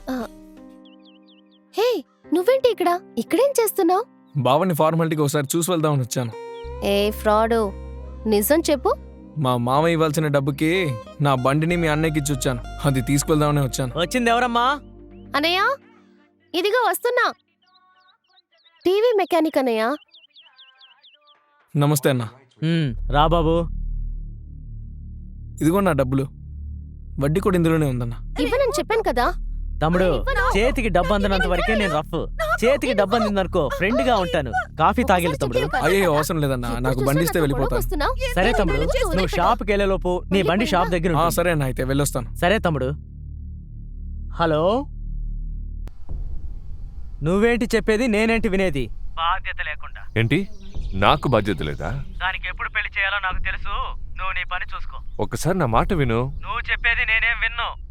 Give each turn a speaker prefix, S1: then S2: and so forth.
S1: హే, నువ్వేంటి ఇక్కడ? ఇక్కడేం చేస్తున్నావు?
S2: బావని ఫార్మాలిటీకి ఒకసారి చూసి వెళ్దామని వచ్చాను.
S1: ఏ ఫ్రాడు, నిజం చెప్పు.
S2: మా మామ ఇవ్వాల్సిన డబ్బుకి నా బండిని మీ అన్నయ్యకి ఇచ్చి వచ్చాను. అది తీసుకెళ్దామని వచ్చాను.
S3: వచ్చింది ఎవరమ్మా?
S1: అనయ్య, ఇదిగో వస్తున్నా. టీవీ మెకానిక్ అనయ్య.
S2: నమస్తే అన్న.
S3: రా బాబు.
S2: ఇదిగో నా డబ్బులు. వడ్డీ కూడా ఇందులోనే ఉందన్న.
S1: ఇవ్వనని చెప్పాను కదా.
S3: తమ్ముడు, చేతికి డబ్బు అందినంత వరకే నేను రఫ్. చేతికి డబ్బు అందిందనుకో ఫ్రెండ్ గా ఉంటాను. కాఫీ తాగిల్లు తమ్ముడు.
S2: అయ్యో అవసరం లేదన్నా, నాకు బండి ఇస్తే వెళ్ళిపోతాను.
S3: సరే తమ్ముడు, నువ్వు షాప్కి వెళ్ళేలోపు నీ బండి షాప్ దగ్గర ఉంటుంది.
S2: సరే అన్న, అయితే వెళ్ళొస్తాను.
S3: సరే తమ్ముడు. హలో, నువ్వేంటి చెప్పేది, నేనేంటి వినేది? బాధ్యత లేకుండా.
S4: ఏంటి, నాకు బాధ్యత లేదా?
S3: దానికి ఎప్పుడు పెళ్లి చేయాలో నాకు తెలుసు. నువ్వు నీ పని చూసుకో.
S4: ఒక్కసారి నా మాట విను.
S3: నువ్వు చెప్పేది నేనేం విన్ను.